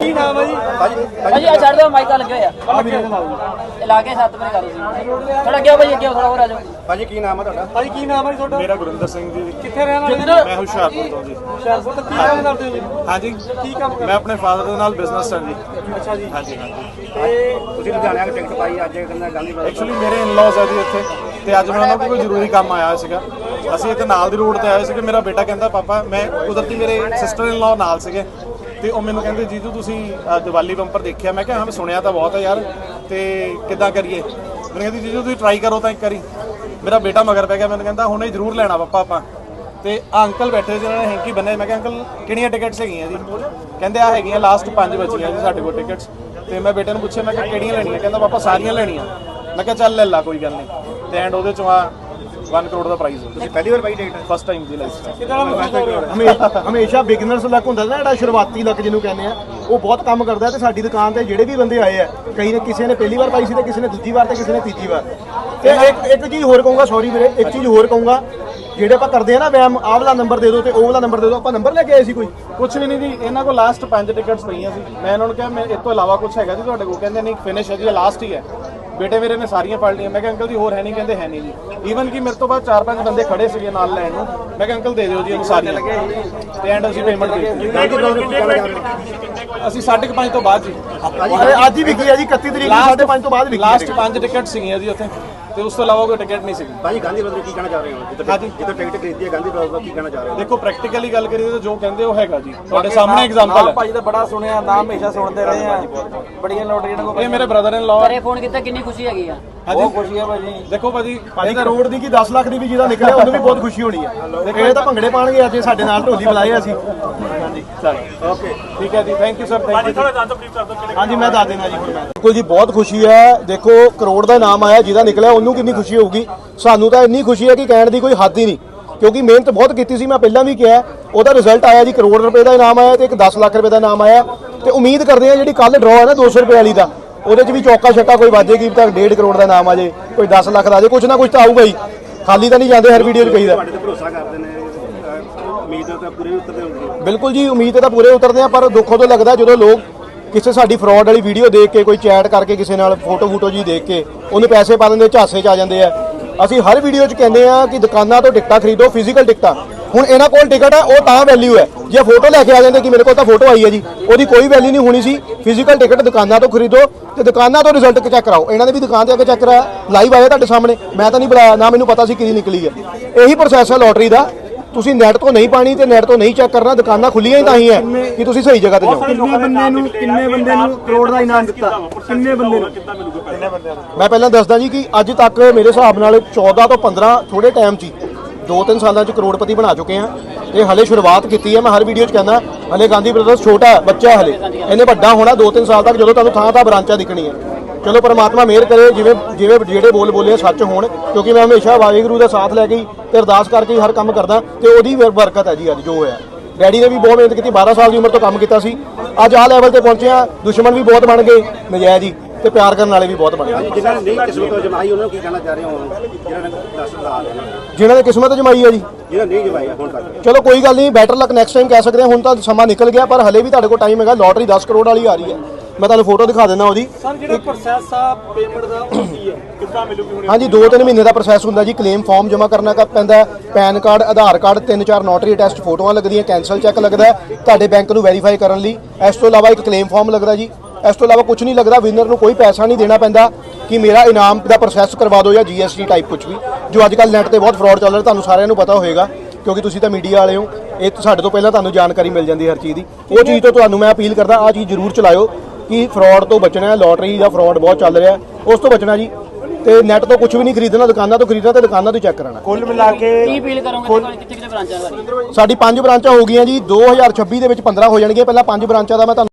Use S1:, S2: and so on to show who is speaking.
S1: ਕੀ ਨਾਮ ਹੈ ਜੀ?
S2: ਭਾਜੀ ਆ ਛੱਡ ਦਿਓ, ਮਾਈਕਾਂ ਲੱਗੇ ਹੋਏ ਆ ਲਾ ਕੇ 7 ਵਜੇ ਕਰੋ ਸੀ ਥੋੜਾ ਅੱਗੇ ਭਾਜੀ, ਅੱਗੇ ਥੋੜਾ ਹੋਰ ਆ ਜਾਓ
S1: ਭਾਜੀ ਕੀ ਨਾਮ ਹੈ ਤੁਹਾਡਾ? ਭਾਜੀ ਕੀ ਨਾਮ ਹੈ ਜੀ ਤੁਹਾਡਾ?
S3: ਮੇਰਾ ਗੁਰਿੰਦਰ ਸਿੰਘ ਜੀ।
S1: ਕਿੱਥੇ ਰਹਿਣ ਵਾਲੇ?
S3: ਮੈਂ ਹੁਸ਼ਿਆਰਪੁਰ ਤੋਂ ਜੀ।
S1: ਹੁਸ਼ਿਆਰਪੁਰ ਤੋਂ ਕੀ ਕੰਮ ਕਰਦੇ ਹੋ ਜੀ?
S3: ਹਾਂਜੀ
S1: ਕੀ ਕੰਮ ਕਰਦੇ?
S3: ਮੈਂ ਆਪਣੇ ਫਾਦਰ ਦੇ ਨਾਲ ਬਿਜ਼ਨਸ ਹਾਂ ਜੀ।
S1: ਅੱਛਾ ਜੀ।
S3: ਹਾਂਜੀ ਹਾਂਜੀ।
S1: ਤੇ ਤੁਸੀਂ ਲੁਧਿਆਣੇ ਆ ਕੇ ਟਿਕਟ ਪਾਈ ਅੱਜ ਕਹਿੰਦਾ ਗਾਂਧੀ
S3: ਐਕਚੁਅਲੀ ਮੇਰੇ ਇਨ-ਲॉज ਹੈ ਜੀ ਇੱਥੇ, ਤੇ ਅੱਜ ਮੈਂ ਉਹਨਾਂ ਕੋਲ ਕੋਈ ਜ਼ਰੂਰੀ ਕੰਮ ਆਇਆ ਸੀਗਾ। ਅਸੀਂ ਇੱਥੇ ਨਾਲ ਦੀ ਰੋਡ ਤੇ ਆਏ ਸੀਗੇ। ਮੇਰਾ ਬੇਟਾ ਕਹਿੰਦਾ ਪਾਪਾ, ਮੈਂ ਕੁਦਰਤੀ ਮੇਰੇ ਸਿਸਟਰ ਇਨ-ਲॉ ਨਾਲ ਸੀਗੇ, ਤੇ ਉਹ ਮੈਨੂੰ ਕਹਿੰਦੇ ਜੀਜੂ ਤੁਸੀਂ ਦੀਵਾਲੀ ਬੰਪਰ ਦੇਖਿਆ? ਮੈਂ ਕਿਹਾ ਹਾਂ, ਮੈਂ ਸੁਣਿਆ ਤਾਂ ਬਹੁਤ ਹੈ ਯਾਰ, ਤੇ ਕਿੱਦਾਂ ਕਰੀਏ? ਮੈਨੂੰ ਕਹਿੰਦੀ ਜੀਜੂ ਤੁਸੀਂ ਟਰਾਈ ਕਰੋ ਤਾਂ ਇੱਕ ਵਾਰੀ। ਮੇਰਾ ਬੇਟਾ ਮਗਰ ਪੈ ਗਿਆ, ਮੈਨੂੰ ਕਹਿੰਦਾ ਹੁਣੇ ਜ਼ਰੂਰ ਲੈਣਾ ਪਾਪਾ ਆਪਾਂ। ਤੇ ਅੰਕਲ ਬੈਠੇ ਸੀ, ਉਹਨਾਂ ਨੇ ਹੈਂਕੀ ਬੰਨੇ। ਮੈਂ ਕਿਹਾ ਅੰਕਲ ਕਿਹੜੀਆਂ ਟਿਕਟਸ ਹੈਗੀਆਂ ਜੀ? ਕਹਿੰਦੇ ਆ ਹੈਗੀਆਂ ਲਾਸਟ 5 ਬਚੀਆਂ ਜੀ ਸਾਡੇ ਕੋਲ ਟਿਕਟਸ। ਤੇ ਮੈਂ ਬੇਟੇ ਨੂੰ ਪੁੱਛਿਆ, ਮੈਂ ਕਿਹਾ ਕਿਹੜੀਆਂ ਲੈਣੀਆਂ? ਕਹਿੰਦਾ ਪਾਪਾ ਸਾਰੀਆਂ ਲੈਣੀਆਂ। ਮੈਂ ਕਿਹਾ ਚੱਲ ਲੈ ਲਾ, ਕੋਈ ਗੱਲ ਨਹੀਂ। ਤੇ ਐਂਡ ਉਹਦੇ ਚੋਂ ਆ 1 ਕਰੋੜ ਦਾ ਪ੍ਰਾਈਜ਼। ਤੁਸੀਂ ਪਹਿਲੀ ਵਾਰ ਪਾਈ ਟਿਕਟ? ਫਸਟ ਟਾਈਮ ਦੀ ਲਾਈਫ।
S4: ਹਮੇਸ਼ਾ ਬਿਗਨਰਸ ਲੱਕ ਹੁੰਦਾ ਨਾ, ਜਿਹੜਾ ਸ਼ੁਰੂਆਤੀ ਲੱਕ ਜਿਹਨੂੰ ਕਹਿੰਦੇ ਆ, ਉਹ ਬਹੁਤ ਕੰਮ ਕਰਦਾ। ਤੇ ਸਾਡੀ ਦੁਕਾਨ ਤੇ ਜਿਹੜੇ ਵੀ ਬੰਦੇ ਆਏ ਆ, ਕਈ ਨੇ ਕਿਸੇ ਨੇ ਪਹਿਲੀ ਵਾਰ ਪਾਈ ਸੀ, ਤੇ ਕਿਸੇ ਨੇ ਦੂਜੀ ਵਾਰ, ਤੇ ਕਿਸੇ ਨੇ ਤੀਜੀ ਵਾਰ। ਤੇ ਇੱਕ ਚੀਜ਼ ਹੋਰ ਕਹੂੰਗਾ, ਸੌਰੀ ਵੀਰੇ, ਇੱਕ ਚੀਜ਼ ਹੋਰ ਕਹੂੰਗਾ, ਜਿਹੜੇ ਆਪਾਂ ਕਰਦੇ ਆ ਨਾ ਵੈਮ, ਆਹ ਵਾਲਾ ਨੰਬਰ ਦੇ ਦਿਓ ਤੇ ਉਹ ਵਾਲਾ ਨੰਬਰ ਦੇ ਦਿਓ, ਆਪਾਂ ਨੰਬਰ ਲੈ ਕੇ ਆਏ ਸੀ ਕੋਈ?
S3: ਕੁਛ ਵੀ ਨਹੀਂ ਜੀ, ਇਹਨਾਂ ਕੋਲ ਲਾਸਟ 5 ਟਿਕਟਸ ਪਈਆਂ ਸੀ। ਮੈਂ ਇਹਨਾਂ ਨੂੰ ਕਿਹਾ ਮੈਂ ਇਸ ਤੋਂ ਇਲਾਵਾ ਕੁਛ ਹੈਗਾ ਜੀ ਤੁਹਾਡੇ ਕੋਲ? ਕਹਿੰਦੇ ਨਹੀਂ, ਫਿਨਿਸ਼ ਹੈ ਜੀ, ਲਾਸਟ ਹੀ ਹੈ। ਬੇਟੇ ਮੇਰੇ ਨੇ ਸਾਰੀਆਂ ਫੜ ਲਈਆਂ। ਮੈਂ ਕਿਹਾ ਅੰਕਲ ਜੀ ਹੋਰ ਹੈ ਨਹੀਂ? ਕਹਿੰਦੇ ਹੈ ਨਹੀਂ ਜੀ। ਈਵਨ ਕਿ ਮੇਰੇ ਤੋਂ ਬਾਅਦ 4-5 ਬੰਦੇ ਖੜੇ ਸੀਗੇ ਨਾਲ ਲੈਣ ਨੂੰ। ਮੈਂ ਕਿਹਾ ਅੰਕਲ ਦੇ ਦਿਓ ਜੀ ਇਹਨੂੰ ਸਾਰੀਆਂ, ਤੇ ਐਂਡ ਅਸੀਂ ਪੇਮੈਂਟ ਦੇ ਦਿੱਤੀ। ਅਸੀਂ 5:30 ਤੋਂ ਬਾਅਦ ਜੀ।
S4: ਅੱਜ ਹੀ ਵਿਕੀ ਆ ਜੀ, 31 ਤਰੀਕ ਨੂੰ 5:30 ਤੋਂ ਬਾਅਦ ਵਿਕੀ।
S3: ਲਾਸਟ 5 ਟਿਕਟ ਸੀਗੀਆਂ ਜੀ ਉੱਥੇ, ਤੇ ਉਸ ਤੋਂ ਇਲਾਵਾ ਕੋਈ ਟਿਕਟ ਨਹੀਂ ਸੀਗੀ।
S1: ਭਾਜੀ ਗਾਂਧੀ ਬ੍ਰਦਰ ਕੀ ਕਹਿਣਾ ਚਾਹ ਰਹੇ ਹੋ? ਜਿੱਦਾਂ ਟਿਕਟ ਖਰੀਦੀ ਹੈ ਗਾਂਧੀ ਬ੍ਰਦਰ ਦਾ, ਕੀ ਕਹਿਣਾ ਚਾਹ ਰਹੇ ਹੋ?
S3: ਦੇਖੋ ਪ੍ਰੈਕਟੀਕਲੀ ਗੱਲ ਕਰੀਏ ਤਾਂ ਜੋ ਕਹਿੰਦੇ ਉਹ ਹੈਗਾ ਜੀ, ਤੁਹਾਡੇ ਸਾਹਮਣੇ ਐਗਜ਼ਾਮਪਲ ਹੈ।
S5: ਭਾਜੀ ਦਾ ਬੜਾ ਸੁਣਿਆ ਨਾਮ, ਹਮੇਸ਼ਾ ਸੁਣਦੇ ਰਹੇ ਆ, ਬੜੀਆਂ ਲੋਟਰੀਆਂ।
S3: ਇਹ ਮੇਰੇ ਬ੍ਰਦਰ ਇਨ ਲਾਅ।
S2: ਘਰੇ ਫੋਨ ਕੀਤਾ, ਕਿੰਨੀ ਖੁਸ਼ੀ ਹੈਗੀ ਆ?
S5: ਬਹੁਤ ਖੁਸ਼ੀ ਹੈ ਭਾਜੀ।
S3: ਦੇਖੋ ਭਾਜੀ,
S4: ਭਾਜੀ ਕਰੋੜ ਦੀ ਕੀ 10 ਲੱਖ ਦੀ ਵੀ ਜਿਹਦਾ ਨਿਕਲਿਆ ਉਹਨੂੰ ਵੀ ਬਹੁਤ ਖੁਸ਼ੀ ਹੋਣੀ ਹੈ। ਇਹ ਤਾਂ ਭੰਗੜੇ ਪਾਣਗੇ ਅੱਜ ਸਾਡੇ ਨਾਲ, ਢੋਲੀ ਬੁਲਾਏ ਅਸੀਂ। ਹਾਂਜੀ
S3: ਚਲੋ ਓਕੇ, ਠੀਕ ਹੈ ਜੀ, thank you sir, thank you.
S4: ਹਾਂਜੀ ਮੈਂ ਦੱਸ ਦੇਣਾ ਜੀ ਹੁਣ। ਮੈਂ ਬਿਲਕੁਲ ਜੀ, ਬਹੁਤ ਖੁਸ਼ੀ ਹੈ। ਦੇਖੋ ਕਰੋੜ ਦਾ ਨਾਮ ਆਇਆ, ਜਿਹਦਾ ਨਿਕਲਿਆ ਉਹਨੂੰ ਕਿੰਨੀ ਖੁਸ਼ੀ ਹੋਊਗੀ। ਸਾਨੂੰ ਤਾਂ ਇੰਨੀ ਖੁਸ਼ੀ ਹੈ ਕਿ ਕਹਿਣ ਦੀ ਕੋਈ ਹੱਦ ਹੀ ਨਹੀਂ, ਕਿਉਂਕਿ ਮਿਹਨਤ ਬਹੁਤ ਕੀਤੀ ਸੀ। ਮੈਂ ਪਹਿਲਾਂ ਵੀ ਕਿਹਾ, ਉਹਦਾ ਰਿਜ਼ਲਟ ਆਇਆ ਜੀ, ਕਰੋੜ ਰੁਪਏ ਦਾ ਇਨਾਮ ਆਇਆ ਤੇ ਇੱਕ 10 ਲੱਖ ਰੁਪਏ ਦਾ ਇਨਾਮ ਆਇਆ। ਤੇ ਉਮੀਦ ਕਰਦੇ ਆ ਜਿਹੜੀ ਕੱਲ ਡਰਾਅ ਹੈ ਨਾ 200 ਰੁਪਏ ਵਾਲੀ ਦਾ, ਉਹਦੇ 'ਚ ਵੀ ਚੌਕਾ ਛੱਕਾ ਕੋਈ ਵਾਜੇਗੀ ਤਾਂ 1.5 ਕਰੋੜ ਦਾ ਇਨਾਮ ਆ ਜੇ, ਕੋਈ 10 ਲੱਖ ਦਾ ਆ ਜੇ, ਕੁਛ ਨਾ ਕੁਛ ਤਾਂ ਆਊਗਾ ਹੀ। ਖਾਲੀ ਤਾਂ ਨਹੀਂ ਜਾਂਦੇ ਹਰ ਵੀਡੀਓ 'ਚ ਕਹੀਦਾ।
S1: ਤੁਹਾਡੇ ਤੇ ਭਰੋਸਾ ਕਰਦੇ ਨੇ, ਉਮੀਦ ਤਾਂ ਪੂਰੇ ਉਤਰਦੇ ਹੋਣਗੇ।
S4: ਬਿਲਕੁਲ ਜੀ, ਉਮੀਦ ਤਾਂ ਪੂਰੇ ਉਤਰਦੇ ਆ, ਪਰ ਦੁੱਖ ਉਦੋਂ ਲੱਗਦਾ ਜਦੋਂ ਲੋਕ ਕਿਸੇ ਸਾਡੀ ਫਰਾਡ ਵਾਲੀ ਵੀਡੀਓ ਦੇਖ ਕੇ, ਕੋਈ ਚੈਟ ਕਰਕੇ ਕਿਸੇ ਨਾਲ ਫੋਟੋ ਜੀ ਦੇਖ ਕੇ ਉਹਨੂੰ ਪੈਸੇ ਪਾ ਦਿੰਦੇ, ਝਾਸੇ 'ਚ ਆ ਜਾਂਦੇ ਆ। ਅਸੀਂ ਹਰ ਵੀਡੀਓ 'ਚ ਕਹਿੰਦੇ ਆ ਕਿ ਦੁਕਾਨਾਂ ਤੋਂ ਟਿਕਟਾਂ ਖਰੀਦੋ, ਫਿਜ਼ੀਕਲ ਟਿਕਟਾਂ। ਹੁਣ ਇਹਨਾਂ ਕੋਲ ਟਿਕਟ ਹੈ, ਉਹ ਤਾਂ ਵੈਲਿਊ ਹੈ। ਜੇ ਫੋਟੋ ਲੈ ਕੇ ਆ ਜਾਂਦੇ ਕਿ ਮੇਰੇ ਕੋਲ ਤਾਂ ਫੋਟੋ ਆਈ ਹੈ ਜੀ, ਉਹਦੀ ਕੋਈ ਵੈਲਿਊ ਨਹੀਂ ਹੋਣੀ ਸੀ। ਫਿਜ਼ੀਕਲ ਟਿਕਟ ਦੁਕਾਨਾਂ ਤੋਂ ਖਰੀਦੋ, ਤੇ ਦੁਕਾਨਾਂ ਤੋਂ ਰਿਜ਼ਲਟ ਚੈੱਕ ਕਰਾਓ। ਇਹਨਾਂ ਨੇ ਵੀ ਦੁਕਾਨ ਤੇ ਆ ਕੇ ਚੈੱਕ ਕਰਾਇਆ, ਲਾਈਵ ਆਇਆ ਤੁਹਾਡੇ ਸਾਹਮਣੇ। ਮੈਂ ਤਾਂ ਨਹੀਂ ਬੁਲਾਇਆ, ਨਾ ਮੈਨੂੰ ਪਤਾ ਸੀ ਕਿਹਦੀ ਨਿਕਲੀ ਹੈ। ਇਹੀ ਪ੍ਰੋਸੈਸ ਹੈ ਲੋਟਰੀ ਦਾ। ਤੁਸੀਂ ਨੈਟ ਤੋਂ ਨਹੀਂ ਪਾਣੀ ਤੇ ਨੈਟ ਤੋਂ ਨਹੀਂ ਚੈੱਕ ਕਰਨਾ। ਦੁਕਾਨਾਂ ਖੁੱਲੀਆਂ ਹੀ ਤਾਂ ਹੀ ਹੈ ਕਿ ਤੁਸੀਂ ਸਹੀ ਜਗ੍ਹਾ ਤੇ ਜਾਓ।
S1: ਕਿੰਨੇ ਬੰਦੇ ਨੂੰ ਕਰੋੜ ਦਾ ਇਨਾਮ ਦਿੱਤਾ? ਕਿੰਨੇ ਬੰਦੇ ਨੂੰ?
S4: ਮੈਂ ਪਹਿਲਾਂ ਦੱਸਦਾ ਜੀ ਕਿ ਅੱਜ ਤੱਕ ਮੇਰੇ ਹਿਸਾਬ ਨਾਲ 14 ਤੋਂ 15 ਥੋੜੇ ਟਾਈਮ 'ਚ 2-3 ਸਾਲਾਂ 'ਚ ਕਰੋੜਪਤੀ ਬਣਾ ਚੁੱਕੇ ਆ। ਇਹ ਹਲੇ ਸ਼ੁਰੂਆਤ ਕੀਤੀ ਹੈ। ਮੈਂ ਹਰ ਵੀਡੀਓ 'ਚ ਕਹਿੰਦਾ ਹਲੇ ਗਾਂਧੀ ਬ੍ਰਦਰਸ ਛੋਟਾ ਹੈ, ਬੱਚਾ ਹੈ ਹਲੇ। ਇਹਨੇ ਵੱਡਾ ਹੋਣਾ 2-3 ਸਾਲ ਤੱਕ, ਜਦੋਂ ਤੁਹਾਨੂੰ ਥਾਂ ਬ੍ਰਾਂਚਾਂ ਦਿਖਣੀ ਹੈ। ਚਲੋ ਪਰਮਾਤਮਾ ਮਿਹਰ ਕਰੇ, ਜਿਵੇਂ ਜਿਹੜੇ ਬੋਲੇ ਸੱਚ ਹੋਣ, ਕਿਉਂਕਿ ਮੈਂ ਹਮੇਸ਼ਾ ਵਾਹਿਗੁਰੂ ਦਾ ਸਾਥ ਲੈ ਕੇ ਤੇ ਅਰਦਾਸ ਕਰਕੇ ਹੀ ਹਰ ਕੰਮ ਕਰਦਾ, ਤੇ ਉਹਦੀ ਬਰਕਤ ਹੈ ਜੀ ਅੱਜ ਜੋ ਹੋਇਆ। ਡੈਡੀ ਨੇ ਵੀ ਬਹੁਤ ਮਿਹਨਤ ਕੀਤੀ, 12 ਸਾਲ ਦੀ ਉਮਰ ਤੋਂ ਕੰਮ ਕੀਤਾ ਸੀ। ਅੱਜ ਆਹ ਲੈਵਲ ਤੇ ਪਹੁੰਚੇ ਆ। ਦੁਸ਼ਮਣ ਵੀ ਬਹੁਤ ਬਣ ਗਏ ਨਜਾਇਜ਼ ਹੀ, ਤੇ ਪਿਆਰ ਕਰਨ ਵਾਲੇ ਵੀ ਬਹੁਤ ਬਣ ਗਏ।
S1: ਜਿਨ੍ਹਾਂ ਨੇ ਨਹੀਂ ਕਿਸਮਤ ਜਮਾਈ ਉਹਨਾਂ ਨੂੰ ਕੀ ਕਹਿਣਾ ਚਾਹ ਰਹੇ ਹੋ?
S4: ਜਿਨ੍ਹਾਂ ਨੇ ਕਿਸਮਤ ਜਮਾਈ ਹੈ ਜੀ,
S1: ਜਿਹਨਾਂ ਨਹੀਂ ਜਮਾਈ ਹੁਣ ਤੱਕ,
S4: ਚਲੋ ਕੋਈ ਗੱਲ ਨਹੀਂ, ਬੈਟਰ ਲੱਕ ਨੈਕਸਟ ਟਾਈਮ ਕਹਿ ਸਕਦੇ ਹਾਂ। ਹੁਣ ਤਾਂ ਸਮਾਂ ਨਿਕਲ ਗਿਆ, ਪਰ ਹਲੇ ਵੀ ਤੁਹਾਡੇ ਕੋਲ ਟਾਈਮ ਹੈਗਾ। ਲੋਟਰੀ 10 ਕਰੋੜ ਵਾਲੀ ਆ ਰਹੀ ਹੈ, ਮੈਂ ਤੁਹਾਨੂੰ ਫੋਟੋ ਦਿਖਾ ਦਿੰਦਾ ਉਹਦੀ।
S1: ਸਰ ਜਿਹੜਾ ਪ੍ਰੋਸੈਸ ਆ ਪੇਮੈਂਟ ਦਾ ਉਹ ਕੀ ਹੈ, ਕਿੱਦਾਂ ਮਿਲੂਗੀ ਹੁਣ?
S4: ਹਾਂਜੀ 2-3 ਮਹੀਨੇ ਦਾ ਪ੍ਰੋਸੈਸ ਹੁੰਦਾ ਜੀ। ਕਲੇਮ ਫਾਰਮ ਜਮ੍ਹਾਂ ਕਰਨਾ ਪੈਂਦਾ, PAN card, Aadhaar card, 3-4 notary attest ਫੋਟੋਆਂ ਲੱਗਦੀਆਂ, ਕੈਂਸਲ ਚੈੱਕ ਲੱਗਦਾ ਤੁਹਾਡੇ ਬੈਂਕ ਨੂੰ ਵੈਰੀਫਾਈ ਕਰਨ ਲਈ। ਇਸ ਤੋਂ ਇਲਾਵਾ ਇੱਕ ਕਲੇਮ ਫਾਰਮ ਲੱਗਦਾ ਜੀ। ਇਸ ਤੋਂ ਇਲਾਵਾ ਕੁਝ ਨਹੀਂ ਲੱਗਦਾ। ਵਿਨਰ ਨੂੰ ਕੋਈ ਪੈਸਾ ਨਹੀਂ ਦੇਣਾ ਪੈਂਦਾ ਕਿ ਮੇਰਾ ਇਨਾਮ ਦਾ ਪ੍ਰੋਸੈਸ ਕਰਵਾ ਦਿਓ ਜਾਂ GST ਟਾਈਪ ਕੁਝ ਵੀ, ਜੋ ਅੱਜ ਕੱਲ੍ਹ ਨੈੱਟ ਤੇ ਬਹੁਤ ਫਰਾਡ ਚੱਲ ਰਿਹਾ। ਤੁਹਾਨੂੰ ਸਾਰਿਆਂ ਨੂੰ ਪਤਾ ਹੋਏਗਾ, ਕਿਉਂਕਿ ਤੁਸੀਂ ਤਾਂ ਮੀਡੀਆ ਵਾਲੇ ਹੋ। ਇਹ ਸਾਡੇ ਤੋਂ ਪਹਿਲਾਂ ਤੁਹਾਨੂੰ ਜਾਣਕਾਰੀ ਮਿਲ ਜਾਂਦੀ ਹਰ ਚੀਜ਼ ਦੀ। ਉਹ ਚੀਜ਼ ਤੋਂ ਤੁਹਾਨੂੰ ਮੈਂ ਅਪੀਲ ਕਰਦਾ, ਆਹ ਚੀਜ਼ ਜ਼ਰੂਰ ਚਲਾਇਓ ਕਿ ਫਰਾਡ ਤੋਂ ਬਚਣਾ ਹੈ। ਲੋਟਰੀ ਦਾ ਫਰਾਡ ਬਹੁਤ ਚੱਲ ਰਿਹਾ, ਉਸ ਤੋਂ ਬਚਣਾ ਜੀ। ਤੇ ਨੈਟ ਤੋਂ ਕੁਝ ਵੀ ਨਹੀਂ ਖਰੀਦਣਾ, ਦੁਕਾਨਾਂ ਤੋਂ ਖਰੀਦਣਾ ਤੇ ਦੁਕਾਨਾਂ ਤੋਂ ਚੈੱਕ ਕਰਾਉਣਾ।
S1: ਕੁੱਲ ਮਿਲਾ ਕੇ
S2: ਕੀ ਅਪੀਲ ਕਰੋਗੇ? ਕਿੱਥੇ ਬ੍ਰਾਂਚਾਂ?
S4: ਸਾਡੀ 5 ਬ੍ਰਾਂਚਾਂ ਹੋ ਗਈਆਂ ਜੀ। 2026 ਦੇ ਵਿੱਚ 15 ਹੋ ਜਾਣਗੀਆਂ। ਪਹਿਲਾਂ 5 ਬ੍ਰਾਂਚਾਂ ਦਾ ਮੈਂ ਤੁਹਾਨੂੰ